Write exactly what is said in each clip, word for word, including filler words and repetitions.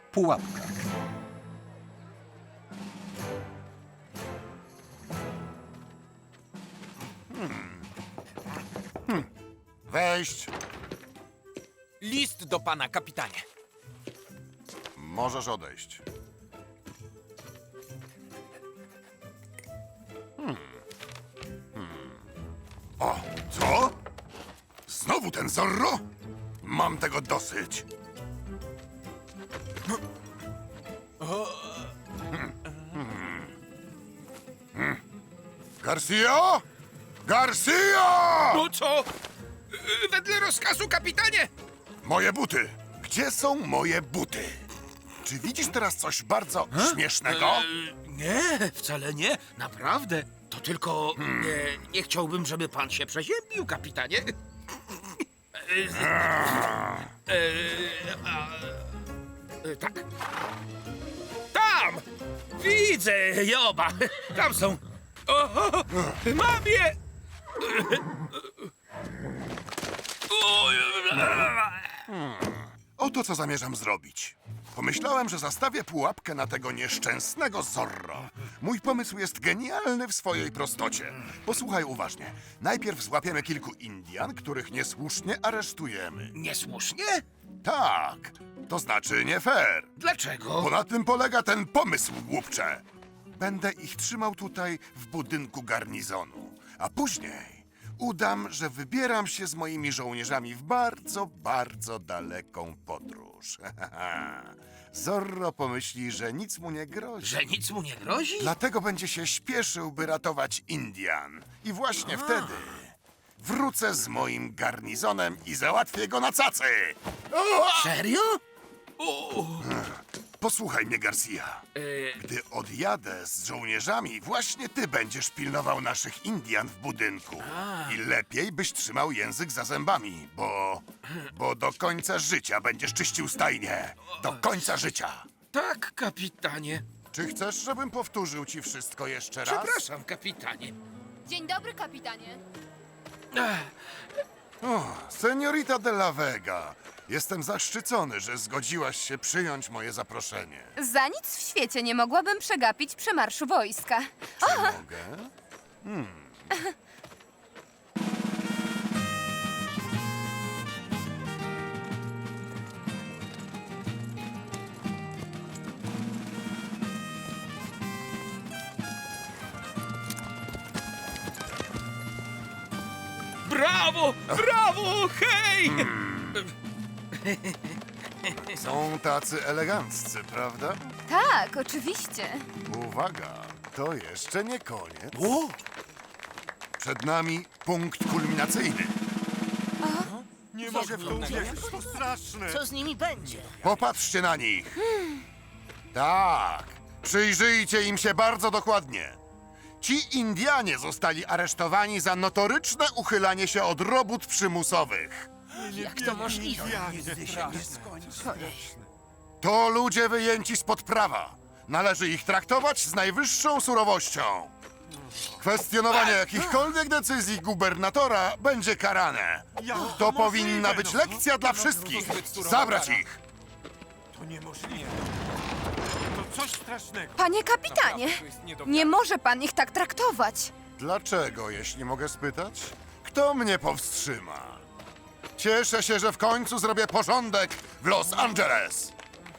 Pułapka. Wejść. List do pana, kapitanie. Możesz odejść. Hmm. Hmm. O, co? Znowu ten Zorro? Mam tego dosyć. Hmm. Hmm. Hmm. Garcia? Garcia! No co? Yy, Wedle rozkazu, kapitanie! Moje buty! Gdzie są moje buty? Czy widzisz teraz coś bardzo śmiesznego? Nie, wcale nie. Naprawdę. To tylko nie, nie chciałbym, żeby pan się przeziębił, kapitanie. E, a, e, tak. Tam! Widzę je oba. Tam są. O, mam je! O, Oto co zamierzam zrobić. Pomyślałem, że zastawię pułapkę na tego nieszczęsnego Zorro. Mój pomysł jest genialny w swojej prostocie. Posłuchaj uważnie. Najpierw złapiemy kilku Indian, których niesłusznie aresztujemy. Niesłusznie? Tak, to znaczy nie fair. Dlaczego? Bo na tym polega ten pomysł, głupcze. Będę ich trzymał tutaj w budynku garnizonu, a później udam, że wybieram się z moimi żołnierzami w bardzo, bardzo daleką podróż. Zorro pomyśli, że nic mu nie grozi. Że nic mu nie grozi? Dlatego będzie się śpieszył, by ratować Indian. I właśnie wtedy wrócę z moim garnizonem i załatwię go na cacy. O! Serio? O, Posłuchaj mnie, Garcia. e, Gdy odjadę z żołnierzami, właśnie ty będziesz pilnował naszych Indian w budynku. I lepiej byś trzymał język za zębami, bo... bo do końca życia będziesz czyścił stajnie. Do końca życia. tak, kapitanie. Czy chcesz, żebym powtórzył ci wszystko jeszcze raz? Przepraszam, kapitanie. Dzień dobry, kapitanie. Ach, O, seniorita de la Vega. Jestem zaszczycony, że zgodziłaś się przyjąć moje zaproszenie. Za nic w świecie nie mogłabym przegapić przemarszu wojska. Czy mogę? brawo! Brawo! Hej! Są tacy eleganccy, prawda? Tak, oczywiście. Uwaga, to jeszcze nie koniec. O, Przed nami punkt kulminacyjny. Nie mogę w to uwierzyć, to straszne! Co z nimi będzie? Popatrzcie na nich. Tak, przyjrzyjcie im się bardzo dokładnie. Ci Indianie zostali aresztowani za notoryczne uchylanie się od robót przymusowych. Jak to możliwe? To ludzie wyjęci spod prawa. Należy ich traktować z najwyższą surowością. Kwestionowanie jakichkolwiek decyzji gubernatora będzie karane. To powinna być lekcja dla wszystkich. Zabrać ich! To niemożliwe. To coś strasznego. Panie kapitanie, nie może pan ich tak traktować. Dlaczego, jeśli mogę spytać? Kto mnie powstrzyma? Cieszę się, że w końcu zrobię porządek w Los Angeles.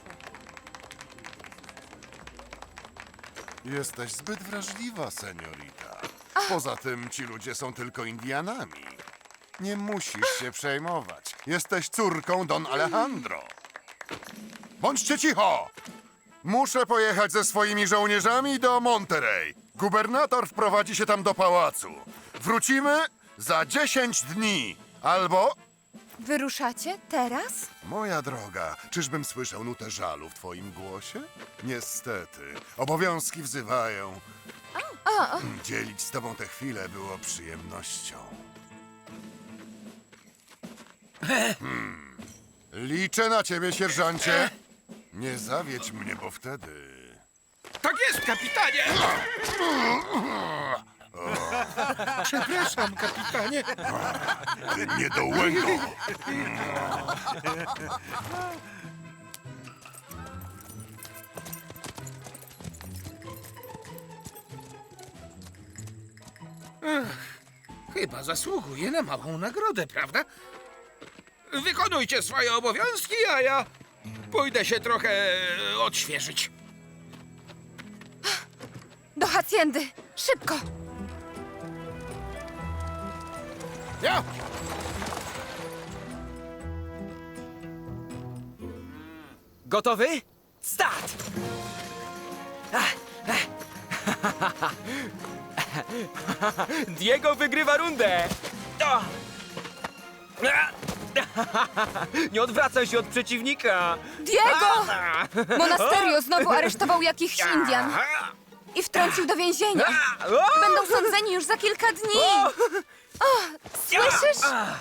Jesteś zbyt wrażliwa, seniorita. Poza tym ci ludzie są tylko Indianami. Nie musisz się przejmować. Jesteś córką Don Alejandro. Bądźcie cicho! Muszę pojechać ze swoimi żołnierzami do Monterey. Gubernator wprowadzi się tam do pałacu. Wrócimy za dziesięć dni. Albo... Wyruszacie teraz? Moja droga, czyżbym słyszał nutę żalu w twoim głosie? Niestety, obowiązki wzywają. Hmm, Dzielić z tobą tę chwilę było przyjemnością. Hmm. Liczę na ciebie, sierżancie. Nie zawiedź mnie, bo wtedy... tak jest, kapitanie! Przepraszam, kapitanie. Ty niedołęgo! Chyba zasługuje na małą nagrodę, prawda? Wykonujcie swoje obowiązki, a ja pójdę się trochę odświeżyć. Do hacjendy! Szybko! Ja! Gotowy? Start! Diego wygrywa rundę! O! Nie odwracaj się od przeciwnika! Diego! Monasterio znowu aresztował jakichś Indian i wtrącił do więzienia. Będą sądzeni już za kilka dni. O, słyszysz?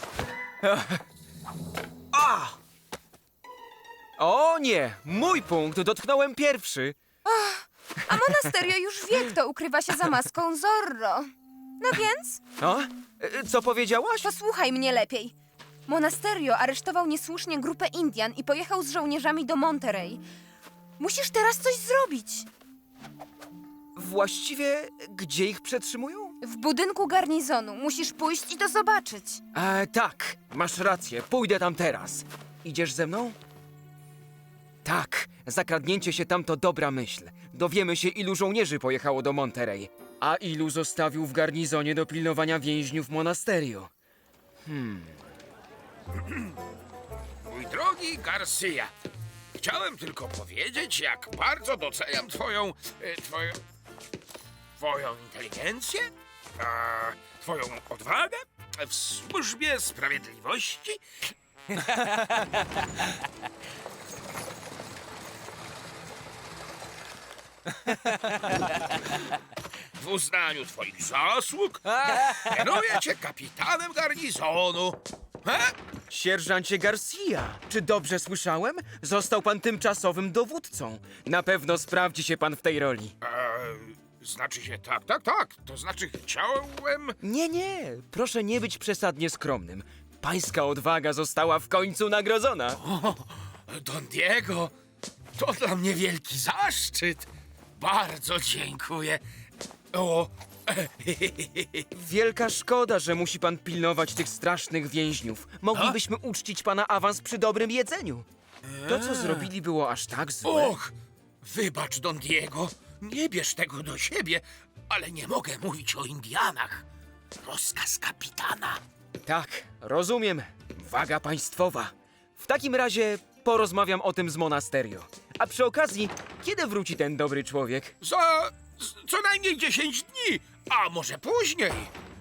O nie! Mój punkt! Dotknąłem pierwszy! A Monasterio już wie, kto ukrywa się za maską Zorro. No więc, O? Co powiedziałaś? posłuchaj mnie lepiej. Monasterio aresztował niesłusznie grupę Indian i pojechał z żołnierzami do Monterey. Musisz teraz coś zrobić. Właściwie gdzie ich przetrzymują? W budynku garnizonu musisz pójść i to zobaczyć. E, tak, masz rację, pójdę tam teraz. Idziesz ze mną? Tak, zakradnięcie się tam to dobra myśl. Dowiemy się, ilu żołnierzy pojechało do Monterey, a ilu zostawił w garnizonie do pilnowania więźniów Monasterio. Mój drogi Garcia, chciałem tylko powiedzieć, jak bardzo doceniam twoją... e, twoją... twoją inteligencję, a, twoją odwagę w służbie sprawiedliwości. W uznaniu twoich zasług mianuję cię kapitanem garnizonu. He? Sierżancie Garcia, czy dobrze słyszałem? Został pan tymczasowym dowódcą. Na pewno sprawdzi się pan w tej roli. E, znaczy się tak, tak, tak. To znaczy chciałem... Nie, nie, proszę nie być przesadnie skromnym. Pańska odwaga została w końcu nagrodzona. O, Don Diego, to dla mnie wielki zaszczyt. Bardzo dziękuję. O, Wielka szkoda, że musi pan pilnować tych strasznych więźniów. Moglibyśmy uczcić pana awans przy dobrym jedzeniu. To, co zrobili, było aż tak złe. och, wybacz, Don Diego. Nie bierz tego do siebie, ale nie mogę mówić o Indianach. Rozkaz kapitana. Tak, rozumiem. Waga państwowa. W takim razie porozmawiam o tym z Monasterio. A przy okazji, kiedy wróci ten dobry człowiek? Za z- co najmniej dziesięć dni, a może później.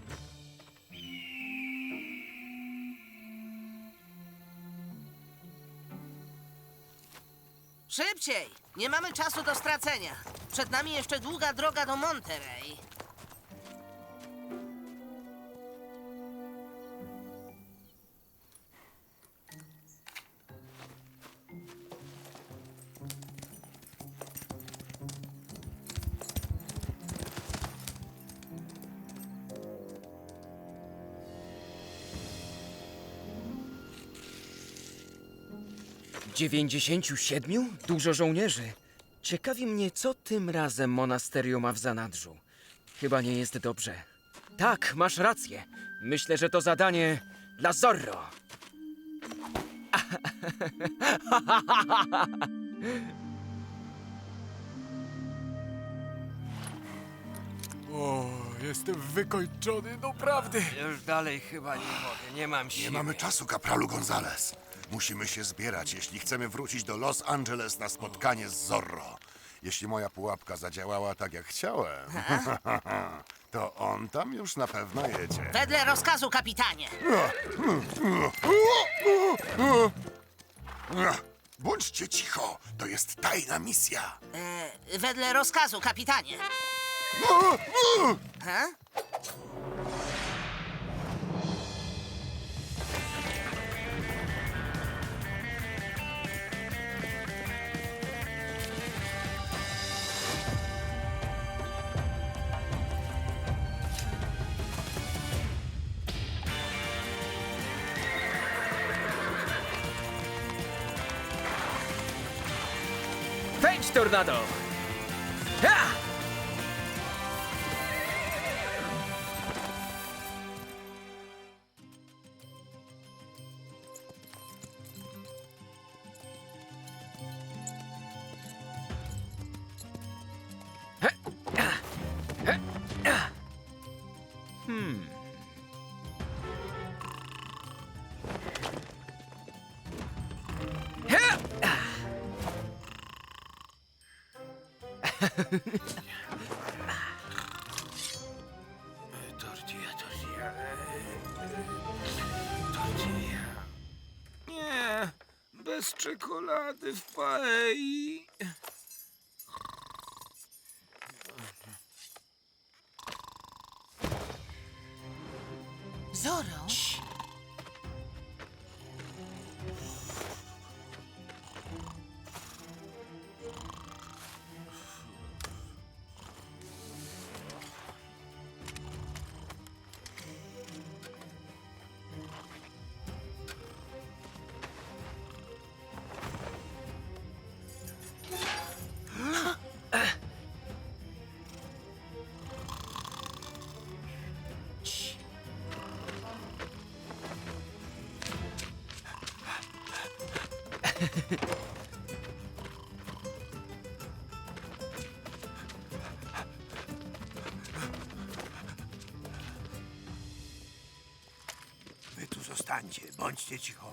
Szybciej! Nie mamy czasu do stracenia. Przed nami jeszcze długa droga do Monterey. Dziewięćdziesięciu siedmiu? Dużo żołnierzy. Ciekawi mnie, co tym razem Monasterio ma w zanadrzu. Chyba nie jest dobrze. Tak, masz rację. Myślę, że to zadanie dla Zorro. O, jestem wykończony, naprawdę. Już dalej chyba nie mogę, nie mam siły. Nie mamy czasu, kapralu Gonzales. Musimy się zbierać, jeśli chcemy wrócić do Los Angeles na spotkanie z Zorro. Jeśli moja pułapka zadziałała tak, jak chciałem, to on tam już na pewno jedzie. Wedle rozkazu, kapitanie. Bądźcie cicho, to jest tajna misja. E, wedle rozkazu, kapitanie. Ha? Wejdź, tornado! Ha! Tortilla, tortilla. Tortilla. Nie, bez czekolady w paei. Zoro? Wy tu zostańcie, bądźcie cicho.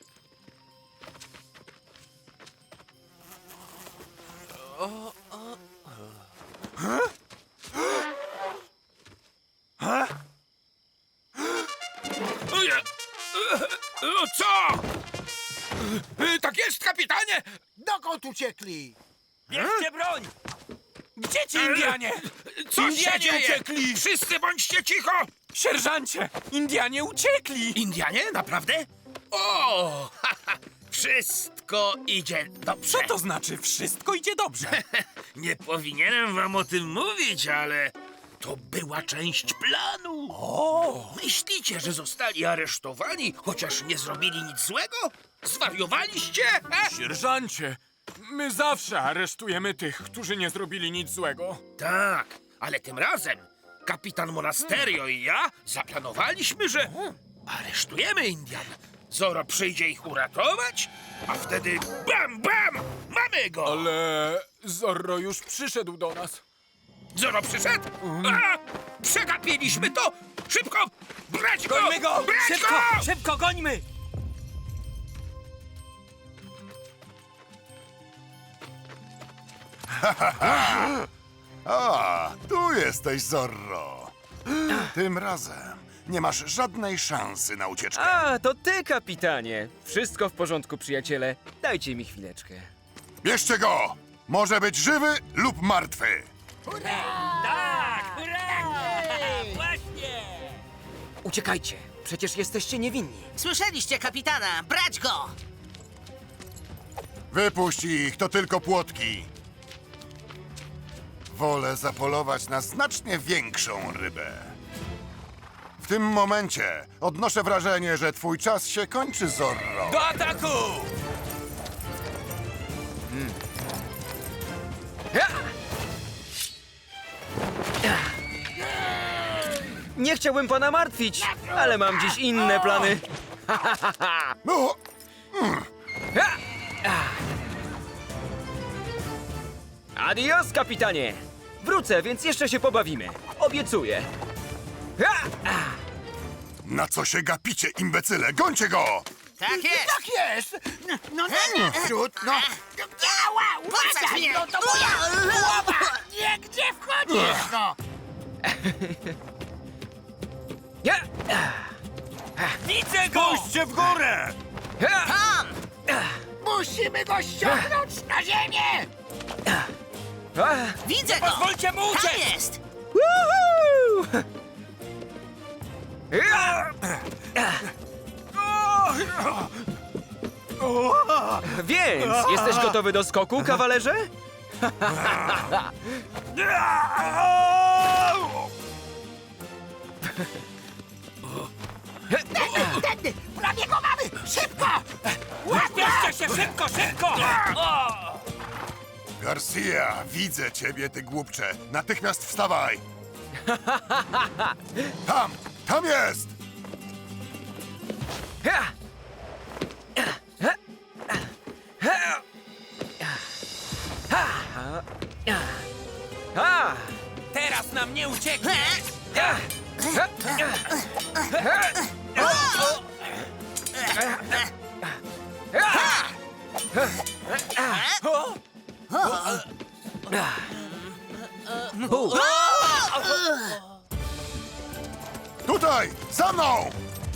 Ojej! E, Co? E, Tak jest, kapitanie! Dokąd uciekli? Bierzcie broń! Gdzie ci Indianie? Co się Indianie dzieje? uciekli! Wszyscy bądźcie cicho! Sierżancie! Indianie uciekli! Indianie? Naprawdę? O! Ha, ha. Wszystko idzie dobrze. Co to znaczy wszystko idzie dobrze? Nie powinienem wam o tym mówić, ale to była część planu. O! Myślicie, że zostali aresztowani, chociaż nie zrobili nic złego? Zwariowaliście? E? Sierżancie, my zawsze aresztujemy tych, którzy nie zrobili nic złego. Tak, ale tym razem kapitan Monasterio i ja zaplanowaliśmy, że aresztujemy Indian. Zoro przyjdzie ich uratować, a wtedy bam, bam, mamy go! Ale Zorro już przyszedł do nas. Zoro przyszedł? A, przegapiliśmy to! Szybko! Brać go! Gońmy go! Brać Szybko! go! Szybko, gońmy! A, tu jesteś, Zorro. Tym razem nie masz żadnej szansy na ucieczkę. A, to ty, kapitanie. Wszystko w porządku, przyjaciele. Dajcie mi chwileczkę. Bierzcie go! Może być żywy lub martwy. Tak! Hurra! Właśnie! Uciekajcie, przecież jesteście niewinni. Słyszeliście kapitana, brać go! Wypuść ich, to tylko płotki. Wolę zapolować na znacznie większą rybę. W tym momencie odnoszę wrażenie, że twój czas się kończy, Zorro. Do ataku! Ja! Nie chciałbym pana martwić, ale mam dziś inne plany. No, Adios, kapitanie! Wrócę, więc jeszcze się pobawimy. Obiecuję. na co się gapicie, imbecyle? Gońcie go! Tak jest! Tak jest! No, no na wśród, no. Ała, Puszczać mnie! no to moja głowa! Nie, gdzie wchodzisz, no? Ja! Widzę go! Puśćcie w górę! Ja! Tam! Musimy go ściągnąć na ziemię! A! Widzę go! Pozwólcie mu Tam uciec! jest! Woohoo! Ja! Więc, jesteś gotowy do skoku, kawalerze? Tędy! Prawie go mamy! Szybko! Bierzcie się szybko, szybko! O! Garcia, widzę ciebie, ty głupcze. Natychmiast wstawaj! Tam! Tam jest! Ja! A! Teraz nam nie ucieknie! U, Tutaj! Za mną!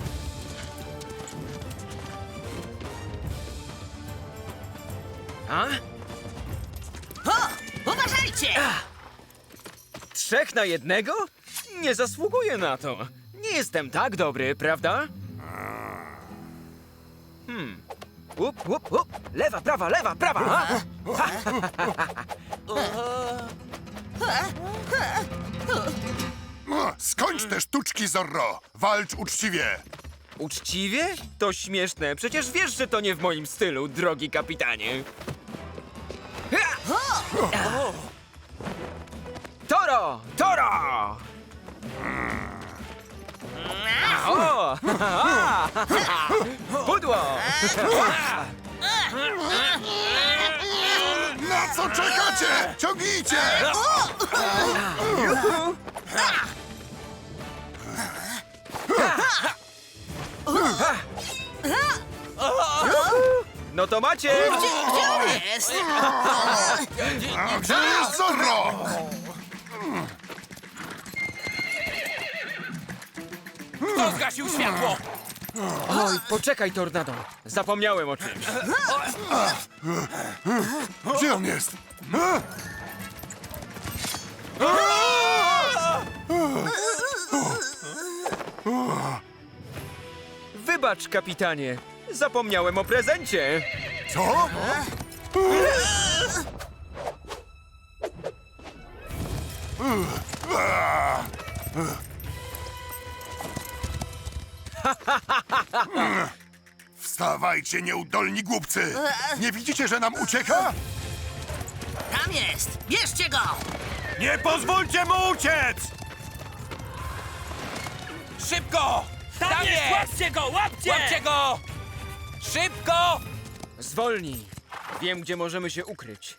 a? O, uważajcie! Trzech na jednego? Nie zasługuję na to. Nie jestem tak dobry, prawda? Hmm. Up, up, up. Lewa, prawa, lewa, prawa. Ha? O, skończ te sztuczki, Zorro! Walcz uczciwie! Uczciwie? To śmieszne. Przecież wiesz, że to nie w moim stylu, drogi kapitanie. Ha! Toro! Toro! O! Pudło! Na co czekacie? Ciągnijcie! No to macie! Gdzie on jest? A gdzie jest Zorro? Kto zgasił światło? Oj, poczekaj, Tornado. Zapomniałem o czymś. Gdzie on jest? Wybacz, kapitanie. Zapomniałem o prezencie. Co? Wstawajcie, nieudolni głupcy! Nie widzicie, że nam ucieka? Tam jest! Bierzcie go! Nie pozwólcie mu uciec! Szybko! Tam, jest! Łapcie go, łapcie! Łapcie go! Szybko! Zwolnij. Wiem, gdzie możemy się ukryć.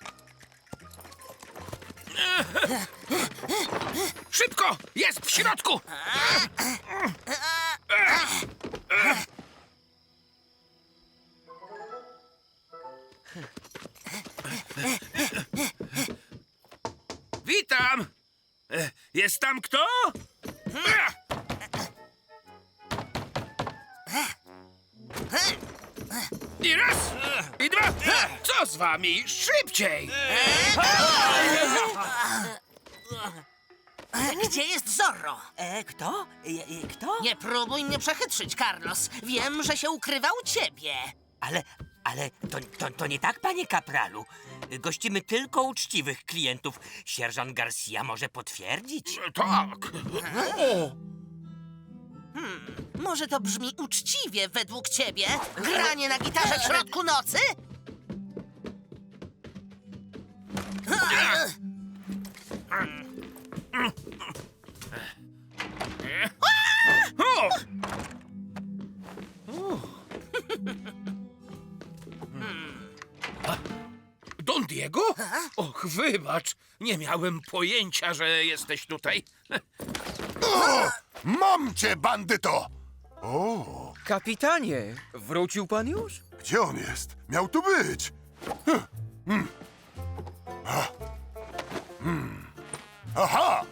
Szybko! Jest w środku! Witam! E, Jest tam kto? I raz, i dwa. Co z wami? Szybciej! Gdzie jest Zorro? E, kto? E, e, kto? Nie próbuj mnie przechytrzyć, Carlos. Wiem, że się ukrywa u ciebie. Ale, ale to, to, to nie tak, panie kapralu. Gościmy tylko uczciwych klientów. Sierżant Garcia może potwierdzić. Tak. Może to brzmi uczciwie według ciebie? Granie na gitarze w środku nocy? O! Don Diego? Och, wybacz. Nie miałem pojęcia, że jesteś tutaj. Mam cię, bandyto! O, Kapitanie, wrócił pan już? gdzie on jest? Miał tu być! Hm, hmm. A. Hmm. Aha!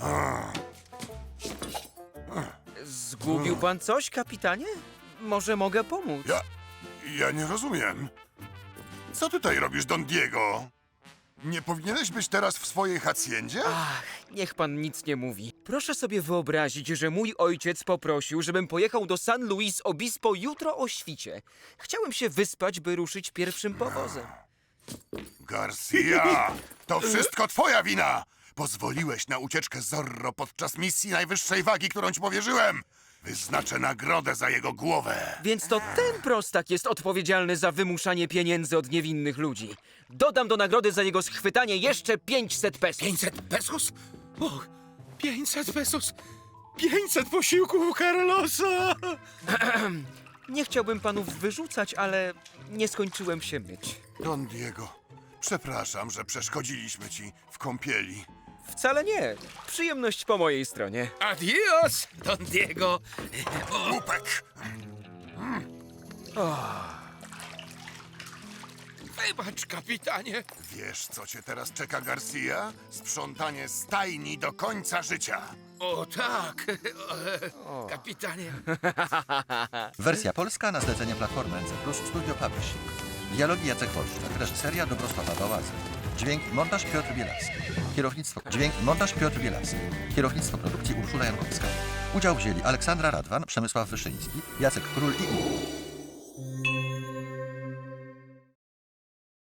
Zgubił pan coś, kapitanie? Może mogę pomóc? Ja... ja nie rozumiem. Co tutaj robisz, Don Diego? Nie powinieneś być teraz w swojej hacjendzie? Ach, niech pan nic nie mówi. Proszę sobie wyobrazić, że mój ojciec poprosił, żebym pojechał do San Luis Obispo jutro o świcie. Chciałem się wyspać, by ruszyć pierwszym powozem. Garcia! To wszystko twoja wina! Pozwoliłeś na ucieczkę Zorro podczas misji najwyższej wagi, którą ci powierzyłem! Wyznaczę nagrodę za jego głowę! Więc to ten prostak jest odpowiedzialny za wymuszanie pieniędzy od niewinnych ludzi. Dodam do nagrody za jego schwytanie jeszcze pięćset pesos. pięćset pesos? Och, pięćset pesos. pięćset posiłków u Carlosa. Nie chciałbym panów wyrzucać, ale nie skończyłem się myć. Don Diego, przepraszam, że przeszkodziliśmy ci w kąpieli. Wcale nie. Przyjemność po mojej stronie. Adios, Don Diego. Łupek! Wybacz, kapitanie. Wiesz, co cię teraz czeka, Garcia? Sprzątanie stajni do końca życia. O tak, e, kapitanie. Wersja polska na zlecenie Platformy N C plus Studio Publishing. Dialogi Jacek Wolszczak, reżyseria Dobrosława Bałazy. Dźwięk i montaż Piotr Bielawski. Kierownictwo, dźwięk i montaż Piotr Bielawski. Kierownictwo produkcji Urszula Jankowska. Udział wzięli Aleksandra Radwan, Przemysław Wyszyński, Jacek Król i inni.